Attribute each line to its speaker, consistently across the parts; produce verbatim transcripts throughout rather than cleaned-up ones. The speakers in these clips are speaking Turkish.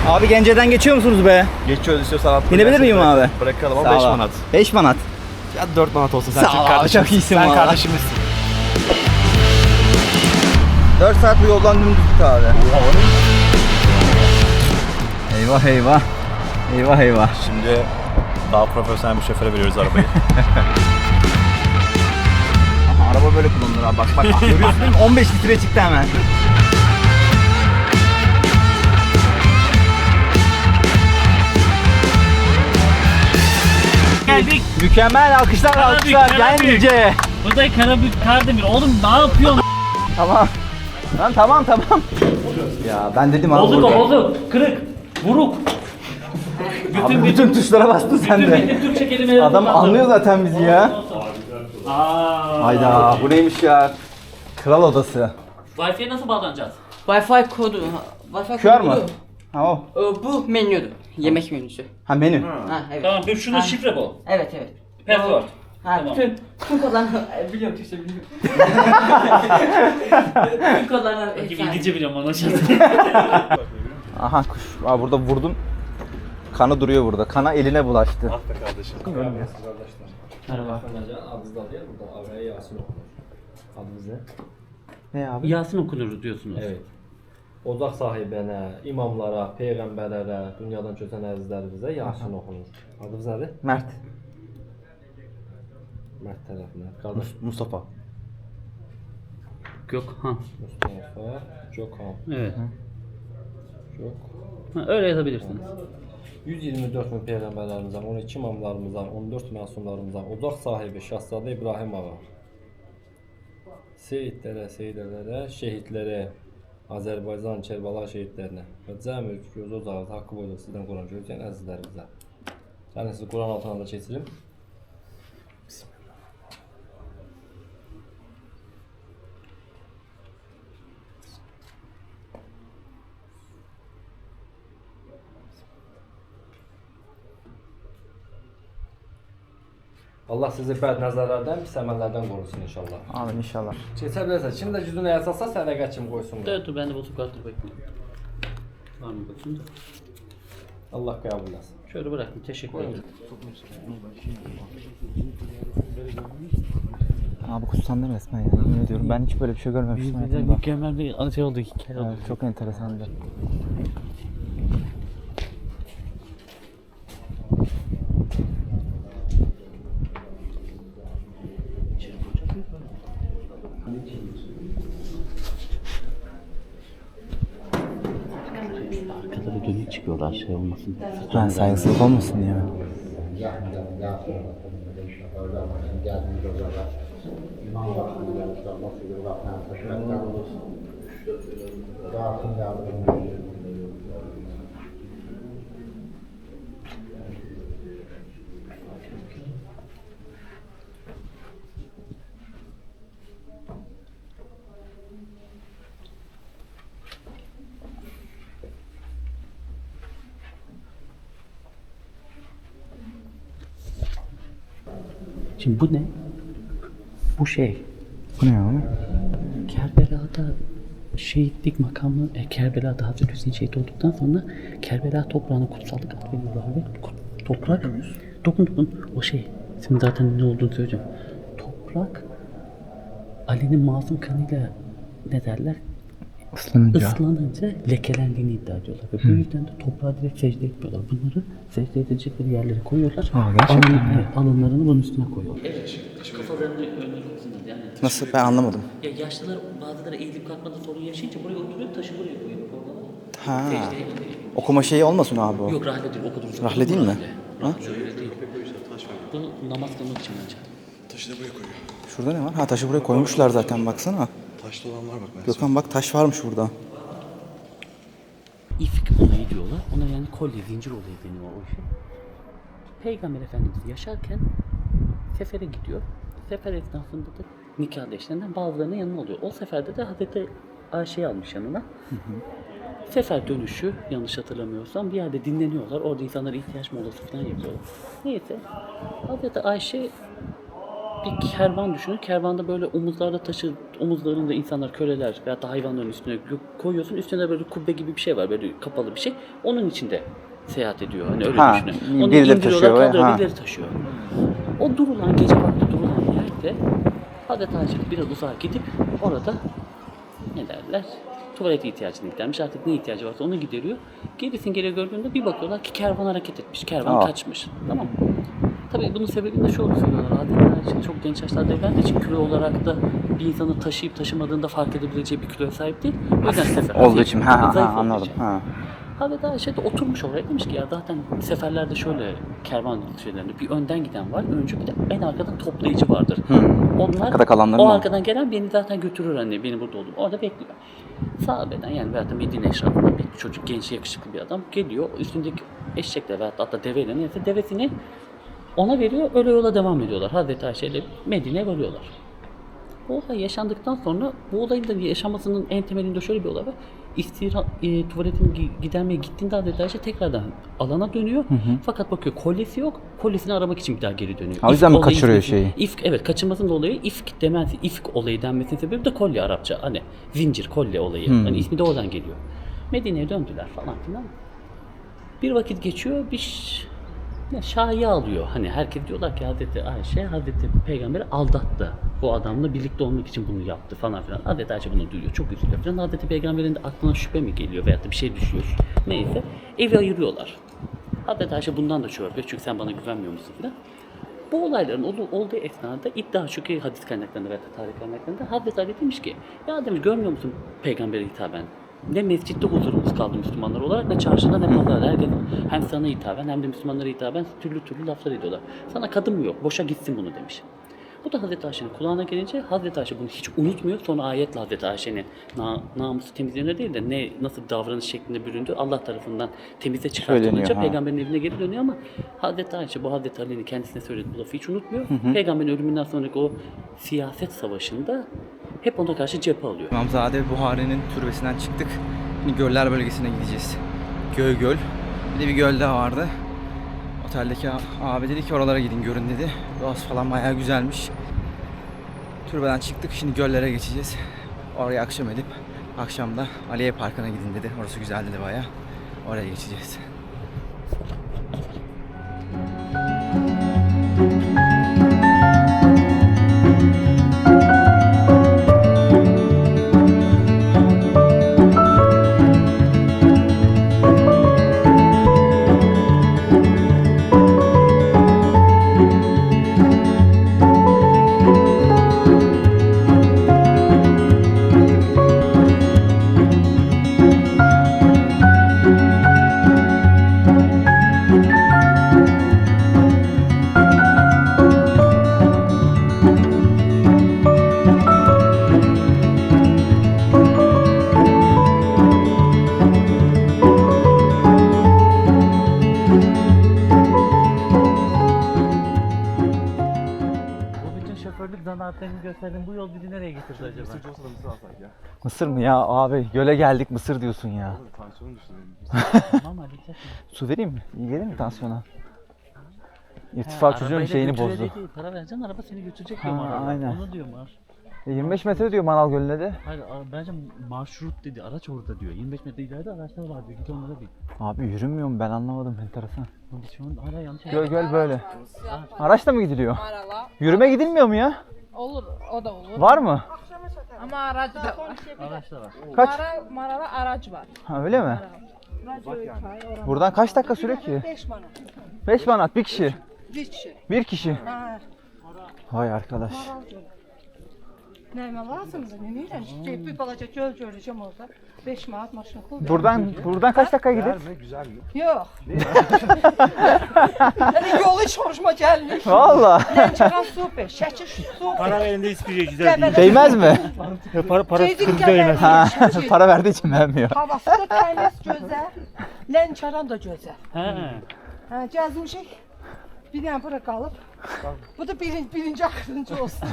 Speaker 1: Abi Gence'den geçiyor musunuz be?
Speaker 2: Geçiyoruz istiyorsan at.
Speaker 1: İnebilir miyim abi?
Speaker 2: Bırakalım ama beş manat.
Speaker 1: beş manat.
Speaker 2: Ya dört manat olsun sen
Speaker 1: Sağ ol
Speaker 2: çünkü
Speaker 1: abi,
Speaker 2: kardeşim.
Speaker 1: çok iyisin
Speaker 2: Sen
Speaker 1: valla.
Speaker 2: kardeşimizsin.
Speaker 1: dört saat bu yoldan dümdüz git abi. Eyvah eyvah. Eyvah eyvah.
Speaker 2: Şimdi daha profesyonel bir şoföre veriyoruz arabayı.
Speaker 1: Aha, araba böyle kullanılır abi. Bak bak bak. Görüyorsun değil mi? on beş litre çıktı hemen.
Speaker 3: Geldik.
Speaker 1: Mükemmel alkışlar alkışlar.
Speaker 3: Karabük,
Speaker 1: Gence.
Speaker 3: Bu da Karabük Kardemir. Oğlum ne yapıyorsun?
Speaker 1: Tamam. Lan tamam tamam. Ya ben dedim abi.
Speaker 3: Bozuk
Speaker 1: burada.
Speaker 3: o bozuk. Kırık. Buruk.
Speaker 1: Abi bütün tuşlara bastın sen
Speaker 3: Bütün
Speaker 1: de.
Speaker 3: bütün Türkçe kelimeleri
Speaker 1: Adam
Speaker 3: kullandım.
Speaker 1: anlıyor zaten bizi ya.
Speaker 3: Aa.
Speaker 1: Hayda bu neymiş ya? Kral odası.
Speaker 3: Wi-Fi'ye nasıl bağlanacağız?
Speaker 4: Wi-Fi kodu. Wi-Fi
Speaker 1: Q R
Speaker 4: kodu
Speaker 1: mı?
Speaker 4: bu.
Speaker 1: Ha o.
Speaker 4: Ee, Bu menüdür. Yemek menüsü.
Speaker 1: Ha menü.
Speaker 4: Ha evet.
Speaker 3: Tamam bir şunun
Speaker 4: Ha.
Speaker 3: şifre bu.
Speaker 4: Evet evet.
Speaker 3: Password.
Speaker 4: Ha
Speaker 3: Tamam.
Speaker 4: bütün bütün kodlarını biliyorum Türkçe biliyorum. Bütün kodlarını
Speaker 3: Bakayım
Speaker 4: efsane.
Speaker 3: İngilizce biliyorum anlaşıldı.
Speaker 1: Aha kuş. Aa, burada vurdun. Kanı duruyor burada. Kana eline bulaştı.
Speaker 2: Ah be kardeşim.
Speaker 3: Merhaba.
Speaker 5: Adınızda değil burada Avraya Yasin okunur. Adınız ne?
Speaker 1: Ne abi?
Speaker 3: Yasin okunur diyorsunuz.
Speaker 5: Evet. Ocaq sahibinə, imamlara, peyğəmbərlərə, dünyadan köçən əzizlərimizə Yasin okunur. Adınız nədir?
Speaker 1: Mert.
Speaker 5: Mərd tərəfinə. Qardaş
Speaker 2: Mustafa.
Speaker 3: Gökhan.
Speaker 5: Mustafa, Gökhan,
Speaker 3: Evet.
Speaker 5: Gök.
Speaker 3: Ha, öyle yazabilirsiniz.
Speaker 5: yüz iyirmi dörd min peyğəmbərlərimizdən, on iki imamlarımızdan, on dörd məsumlarımızdan, ocaq sahibi Şahzadə İbrahim ağa, seyidlərə, seyilərlərə, şəhidlərə, Azərbaycan, Kərbala şəhidlərinə və cəm ülk gözü ocağı haqqı boyda sizdən Quran gözləyən əzizlərimizə. Yəni sizi Quran altına da keçirim. Allah sizi bəd nəzərlərdən, pis əməllərdən qorusun inşallah.
Speaker 1: Amin inşallah.
Speaker 5: Keçə bilərsən, kim də gücünü əsasa sədəqə kimi qoysun.
Speaker 3: Dur dur ben de bozuk vardır bekliyorum. Var mı bakayım da.
Speaker 5: Allah qəbul etsin.
Speaker 3: Şöyle bıraktım teşekkür ederim.
Speaker 1: Abi kutsandı resmen ya. Yemin ediyorum ben hiç böyle bir şey görmemiştim hayatımda.
Speaker 3: Mükemmel bir şey oldu hikaye oldu.
Speaker 1: Evet, çok enteresandı.
Speaker 3: Arkaları dönük çıkıyorlar şey olmasın.
Speaker 1: Ha, saygısızlık olmasın diye mi?
Speaker 3: Şimdi bu ne? Bu şey.
Speaker 1: Bu ne abi?
Speaker 3: Kerbela'da şehitlik makamı, e, Kerbela'da Hazreti Hüseyin şehit olduktan sonra Kerbela toprağına kutsallık adı veriyorlar ve kut- toprak, dokun dokun o şey, şimdi zaten ne olduğunu söyleyeceğim. Toprak, Ali'nin masum kanıyla ne derler?
Speaker 1: Islanınca.
Speaker 3: Islanınca lekelendiğini iddia ediyorlar ve bu yüzden de toprağa direkt secde etmiyorlar. Bunları secde edecekleri yerlere koyuyorlar.
Speaker 1: Aa, gerçekten
Speaker 3: Alın-
Speaker 1: mi?
Speaker 3: evet, alınlarını bunun üstüne koyuyorlar. Evet, kafalarını önüne koysunlar yani.
Speaker 1: Nasıl? Ben anlamadım.
Speaker 3: Ya yaşlılar bazıları eğilip kalkmada sorun yaşayınca buraya oturuyor, taşı buraya koyuyor.
Speaker 1: Ha.
Speaker 3: Secdeye gidiyor.
Speaker 1: Okuma şeyi olmasın abi o.
Speaker 3: Yok rahle değil, o kadar uzun.
Speaker 1: Rahle değil mi?
Speaker 3: Ha? Öyle değil. Bu namaz kılmak için bence.
Speaker 2: Taşı da buraya koyuyor.
Speaker 1: Şurada ne var? Ha taşı buraya koymuşlar zaten baksana.
Speaker 2: Taşlı olan var bak ben.
Speaker 1: Gökhan bak taş varmış burada.
Speaker 3: İfk olayı diyorlar. Ona yani kolye, zincir olayı deniyor o işe. Peygamber Efendimiz yaşarken sefere gidiyor. Sefer esnasında da nikahlı eşlerinden bazılarının yanına oluyor. O seferde de Hazreti Ayşe'yi almış yanına. Hı hı. Sefer dönüşü yanlış hatırlamıyorsam bir yerde dinleniyorlar. Orada insanlar ihtiyaç molası falan yapıyorlar. Neyse Hazreti Ayşe bir kervan düşünün. Kervanda böyle omuzlarda taşı, omuzlarında insanlar, köleler veya da hayvanların üstüne koyuyorsun. Üstüne böyle kubbe gibi bir şey var, böyle kapalı bir şey. Onun içinde seyahat ediyor. Hani öyle
Speaker 1: Ha,
Speaker 3: düşünün. Onu
Speaker 1: birileri
Speaker 3: indiriyorlar,
Speaker 1: taşıyor ve-
Speaker 3: kaldırıyor,
Speaker 1: ha.
Speaker 3: birileri taşıyor. O durulan, gece vakti durulan yerde Hazreti Ayşe biraz uzağa gidip orada ne derler? Tuvalet ihtiyacını gidermiş. Artık ne ihtiyacı varsa onu gideriyor. Gerisin geri gördüğünde bir bakıyorlar ki kervan hareket etmiş. Kervan
Speaker 1: Aa.
Speaker 3: kaçmış. Tamam mı? Tabii bunun sebebini de şu olduğunu söylüyorlar. Hazreti Ayşe çok genç yaşlarda evlendiği için kilo olarak da bir insanı taşıyıp taşımadığında fark edebileceği bir kiloya sahip değil. O yüzden sefer.
Speaker 1: Olduğu için. Ha, ha,
Speaker 3: Zayıf
Speaker 1: ha,
Speaker 3: olduğu
Speaker 1: anladım.
Speaker 3: için.
Speaker 1: Ha.
Speaker 3: Hazreti Ayşe de oturmuş oraya, demiş ki ya zaten seferlerde şöyle kervan şeylerinde bir önden giden var, öncü, bir de en arkadan toplayıcı vardır. Onlar
Speaker 1: Arkada kalanların
Speaker 3: o
Speaker 1: mı?
Speaker 3: arkadan gelen beni zaten götürür anne, beni burada oldum. Orada bekliyor. Sahabeden yani veyahut da Medine eşrafından bir çocuk, genç, yakışıklı bir adam geliyor. Üstündeki eşekle veyahut da hatta deveyle neyse devesini ona veriyor, öyle yola devam ediyorlar. Hazreti Ayşe ile Medine'ye varıyorlar. Bu olay yaşandıktan sonra bu olayın da yaşamasının en temelinde şöyle bir olay var. İstira, e, tuvaletini gi- gidermeye gittiğinde Hazreti Ayşe tekrardan alana dönüyor. Fakat bakıyor kolyesi yok. Kolyesini aramak için bir daha geri dönüyor.
Speaker 1: O yüzden mi
Speaker 3: olayı
Speaker 1: kaçırıyor
Speaker 3: ismi-
Speaker 1: şeyi?
Speaker 3: İfk, evet, kaçırmasının dolayı ifk demesi, ifk olayı denmesinin sebebi de kolye Arapça. Hani zincir, kolye olayı. Hani ismi de oradan geliyor. Medine'ye döndüler falan filan. Bir vakit geçiyor, bir ş- ya şahiye alıyor. Hani herkes diyorlar ki Hazreti Ayşe, Hazreti Peygamber'i aldattı. Bu adamla birlikte olmak için bunu yaptı falan filan. Hazreti Ayşe bunu duyuyor, çok üzülüyor falan. Hazreti Peygamber'in de aklına şüphe mi geliyor veyahut da bir şey düşüyor. Neyse, evi ayırıyorlar. Hazreti Ayşe bundan da şüphe yapıyor çünkü sen bana güvenmiyor musun falan. Bu olayların ol- olduğu esnada iddia şu ki hadis kaynaklarında veya tarih kaynaklarında Hazreti Ali demiş ki ya demiş görmüyor musun Peygamber'e hitaben? Ne mescitte huzurumuz kaldı Müslümanlar olarak ne çarşıda ne pazarda. Herkes hem sana hitaben hem de Müslümanlara hitaben türlü türlü laflar ediyorlar. Sana kadın mı yok? Boşa gitsin bunu demiş. Bu da Hazreti Ayşe'nin kulağına gelince Hazreti Ayşe bunu hiç unutmuyor. Sonra ayetle Hazreti Ayşe'nin na, namusu temizliğine değil de ne nasıl bir davranış şeklinde büründü Allah tarafından temize çıkartılınca
Speaker 1: Söyleniyor, ha.
Speaker 3: Peygamberin evine geri dönüyor ama Hazreti Ayşe bu Hazreti Ali'nin kendisine söylediği bu lafı hiç unutmuyor. Peygamberin ölümünden sonraki o siyaset savaşında hep ona karşı cephe alıyor.
Speaker 1: İmamzade Buhari'nin türbesinden çıktık. Şimdi göller bölgesine gideceğiz. Göl göl. Bir de bir göl daha vardı. Oteldeki abi dedi ki oralara gidin görün dedi. Doğası falan bayağı güzelmiş. Türbeden çıktık. Şimdi göllere geçeceğiz. Oraya akşam edip akşamda Aliye Parkı'na gidin dedi. Orası güzel dedi bayağı. Oraya geçeceğiz.
Speaker 3: Bu bütün şoförlük zanaatlerini gösterdim. Bu yol bizi nereye getirdi acaba?
Speaker 2: Mısırcı olsa da mısır alsak ya.
Speaker 1: Mısır mı ya abi? Göle geldik Mısır diyorsun ya.
Speaker 2: Tansiyonum düştü benim.
Speaker 3: Tamam hadi gidelim.
Speaker 1: Su vereyim mi? İyi gelir mi tansiyona? İrtifa çocuğun
Speaker 3: Arabayla
Speaker 1: şeyini
Speaker 3: götürüyor
Speaker 1: bozdu.
Speaker 3: dedi, para vereceksin araba seni götürecek
Speaker 1: Ha,
Speaker 3: diyor araba.
Speaker 1: aynen.
Speaker 3: Onu diyor Mar.
Speaker 1: E, yirmi beş metre diyor Manal Gölü'ne de.
Speaker 3: Hayır a- bence marşrut dedi. Araç orada diyor. yirmi beş metre ileride araçlar var diyor. Git onlara bin.
Speaker 1: Abi yürünmüyor mu? Ben anlamadım. Enteresan.
Speaker 3: Lan Biz şu an hala yanlış
Speaker 1: Göl göl böyle.
Speaker 6: Ya,
Speaker 1: Araçla mı gidiliyor?
Speaker 6: Marala.
Speaker 1: Yürüme gidilmiyor mu ya?
Speaker 6: Olur, o da olur.
Speaker 1: Var mı?
Speaker 6: Ama aracı da var.
Speaker 3: araçlar var.
Speaker 1: Kaç?
Speaker 6: Mara, Marala aracı var.
Speaker 1: Ha öyle mi? Buradan kaç dakika sürüyor ki?
Speaker 6: beş manat.
Speaker 1: beş manat bir kişi.
Speaker 6: Bir kişi.
Speaker 1: Bir kişi.
Speaker 6: Ha,
Speaker 1: Vay arkadaş.
Speaker 6: neyme lazımdı, ne bileyim. Şey, bir balaca göl göreceğim orada. beş manat maşın pul.
Speaker 1: Buradan buradan kaç dakika gider?
Speaker 2: Güzel mi? Güzel mi?
Speaker 6: Yok. Yani yolu hiç hoşuma gelmiyor.
Speaker 1: Valla.
Speaker 6: Lençeran super, şəkil super.
Speaker 7: Para verende hiçbir şey güzel değil.
Speaker 1: Değmez mi?
Speaker 7: Para, para
Speaker 6: Ceydik
Speaker 7: sıkıntı
Speaker 6: gəlir,
Speaker 7: değmez.
Speaker 1: Ha,
Speaker 6: şəkil.
Speaker 1: para verdiği için vermiyor.
Speaker 6: Havası da təmiz, gözəl. Lençeran da gözəl.
Speaker 3: He.
Speaker 6: Ha, gəzmişik. Bir dənə bura qalıb. Bu da birinci, birinci axırıncı olsun.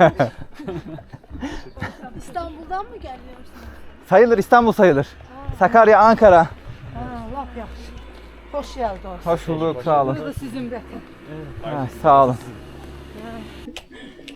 Speaker 8: İstanbul'dan mı geliyorsun?
Speaker 1: Sayılır İstanbul sayılır. Sakarya, Ankara.
Speaker 6: Ha, lap yaxşı. Xoş gəldiniz.
Speaker 1: Hoş bulduk sağ olun.
Speaker 6: Bu da sizin vətən.
Speaker 1: Ha, sağ olun.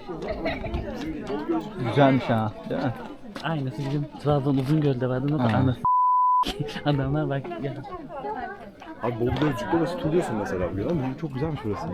Speaker 1: Güzelmiş ha. Değil mi?
Speaker 3: Aynısı bizim Trabzon Uzungöl'de vardı. Nasıl
Speaker 1: Ha.
Speaker 3: anasını adamlar bak ya.
Speaker 2: Abi Bolu Gölcük'te de tutuyorsun mesela bugün ama çok güzelmiş burası.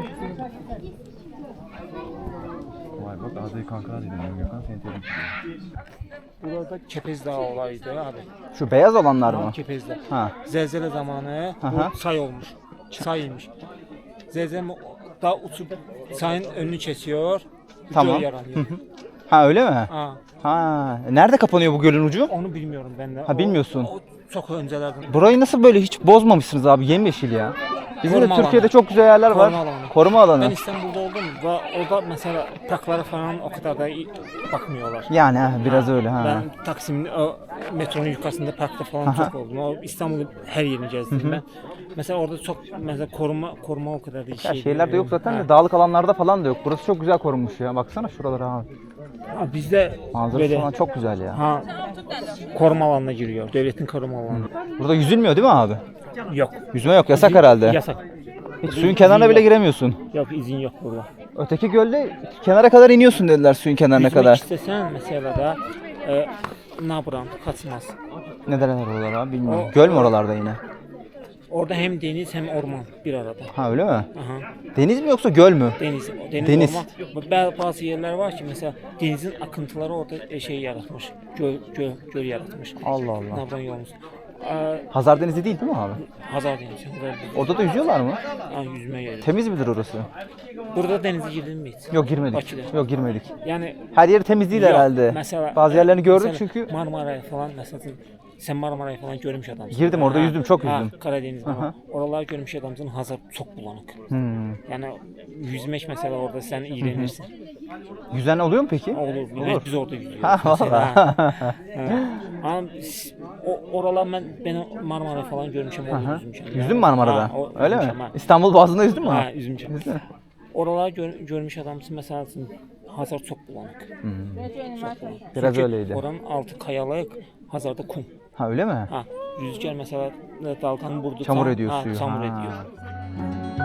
Speaker 2: Vay bak Azeri kankalar dedim ben Gökhan seni tebrik ediyorum.
Speaker 7: Burada Kepez Dağı olaydı abi.
Speaker 1: Şu beyaz olanlar mı?
Speaker 7: Kepez'de.
Speaker 1: Ha.
Speaker 7: Zelzele zamanı
Speaker 1: Aha.
Speaker 7: bu say olmuş. Sayıymış. Zelzele da uçup sayın önünü kesiyor. bir
Speaker 1: Tamam.
Speaker 7: göl yaranıyor.
Speaker 1: Ha öyle mi?
Speaker 7: ha,
Speaker 1: Ha. Nerede kapanıyor bu gölün ucu?
Speaker 7: onu bilmiyorum ben de.
Speaker 1: Ha, bilmiyorsun.
Speaker 7: O, o çok öncelerden.
Speaker 1: Burayı nasıl böyle hiç bozmamışsınız abi? Yemyeşil ya. Bizim de
Speaker 7: Koruma
Speaker 1: Türkiye'de
Speaker 7: alanı.
Speaker 1: çok güzel yerler var.
Speaker 7: Koruma alanı.
Speaker 1: Koruma alanı.
Speaker 7: Ben İstanbul'da oldum ve orada mesela parklara falan o kadar da iyi bakmıyorlar.
Speaker 1: Yani ha, biraz öyle ha.
Speaker 7: Ben Taksim'in o metronun yukarısında parkta falan
Speaker 1: Aha.
Speaker 7: çok oldum. O İstanbul'un her yerini gezdim ben. Mesela orada çok mesela koruma koruma o kadar değil.
Speaker 1: Ya
Speaker 7: şey
Speaker 1: şehirlerde
Speaker 7: değil.
Speaker 1: yok zaten
Speaker 7: Ha.
Speaker 1: de dağlık alanlarda falan da yok. Burası çok güzel korunmuş ya. Baksana şuralara abi.
Speaker 7: Ha, bizde
Speaker 1: Manzarası
Speaker 7: böyle
Speaker 1: falan çok güzel ya.
Speaker 7: ha koruma alanına giriyor. Devletin koruma alanı.
Speaker 1: Burada yüzülmüyor değil mi abi?
Speaker 7: Yok.
Speaker 1: Yüzme yok. Yasak herhalde.
Speaker 7: Yasak.
Speaker 1: Hiç suyun kenarına bile giremiyorsun.
Speaker 7: Yok izin yok burada.
Speaker 1: Öteki gölde kenara kadar iniyorsun dediler suyun kenarına
Speaker 7: Yüzmek
Speaker 1: kadar.
Speaker 7: istesen mesela da e, ne yapıram kaçmaz.
Speaker 1: Ne derler oralar abi bilmiyorum.
Speaker 7: O-
Speaker 1: Göl mü oralarda yine?
Speaker 7: Orada hem deniz hem orman bir arada.
Speaker 1: Ha öyle mi?
Speaker 7: Aha.
Speaker 1: Deniz mi yoksa göl mü?
Speaker 7: Deniz, deniz,
Speaker 1: Deniz.
Speaker 7: orman. Ba- Bazı yerler var ki mesela denizin akıntıları orada e, şey yaratmış. Göl, göl, göl yaratmış.
Speaker 1: Allah Allah.
Speaker 7: Nereden yolumuz? Ee,
Speaker 1: Hazar Denizi değil değil mi abi?
Speaker 7: Hazar Denizi. Hazar Denizi.
Speaker 1: Orada da yüzüyorlar mı?
Speaker 7: Ha, yüzme yeri.
Speaker 1: Temiz midir orası?
Speaker 7: Burada denize girdin mi hiç?
Speaker 1: Yok girmedik.
Speaker 7: Bakü'de.
Speaker 1: Yok girmedik.
Speaker 7: Yani
Speaker 1: Her yeri temiz değil
Speaker 7: yok.
Speaker 1: herhalde.
Speaker 7: Mesela,
Speaker 1: Bazı yerlerini gördük
Speaker 7: mesela
Speaker 1: çünkü.
Speaker 7: Marmara'ya falan mesela sen Marmara'yı falan görmüş adamsın.
Speaker 1: Girdim, orada
Speaker 7: Ha,
Speaker 1: yüzdüm, çok
Speaker 7: ha,
Speaker 1: yüzdüm.
Speaker 7: Karadeniz'de
Speaker 1: Aha.
Speaker 7: ama oralar görmüş adamsın. Hazar çok bulanık.
Speaker 1: Hmm.
Speaker 7: Yani yüzmek mesela orada sen iğrenirsin.
Speaker 1: Yüzen oluyor mu peki?
Speaker 7: Olur. Biz, biz orada yüzüyoruz.
Speaker 1: Ha
Speaker 7: mesela.
Speaker 1: valla.
Speaker 7: Ha. Ama biz- o, oralar ben ben Marmara falan görmüşüm. Orada
Speaker 1: Aha.
Speaker 7: yüzmüşüm.
Speaker 1: Yüzdün mü Marmara'da?
Speaker 7: Ha, o-
Speaker 1: Öyle mi?
Speaker 7: yüzmüşüm, ha.
Speaker 1: İstanbul Boğazı'nda yüzdün mü?
Speaker 7: Ha, yüzmüşüm.
Speaker 1: Yüzdün mü?
Speaker 7: Oralar gör, görmüş adamsın mesela Hazar çok bulanık. Çok bulanık.
Speaker 1: Biraz
Speaker 7: Çünkü
Speaker 1: öyleydi.
Speaker 7: Oranın altı kayalık, Hazar'da kum.
Speaker 1: Ha öyle mi?
Speaker 7: Ha, rüzgar mesela dalganın vurduğu
Speaker 1: Çamur
Speaker 7: zaman-
Speaker 1: ediyor
Speaker 7: ha,
Speaker 1: suyu.
Speaker 7: Çamur
Speaker 1: Ha.
Speaker 7: ediyor.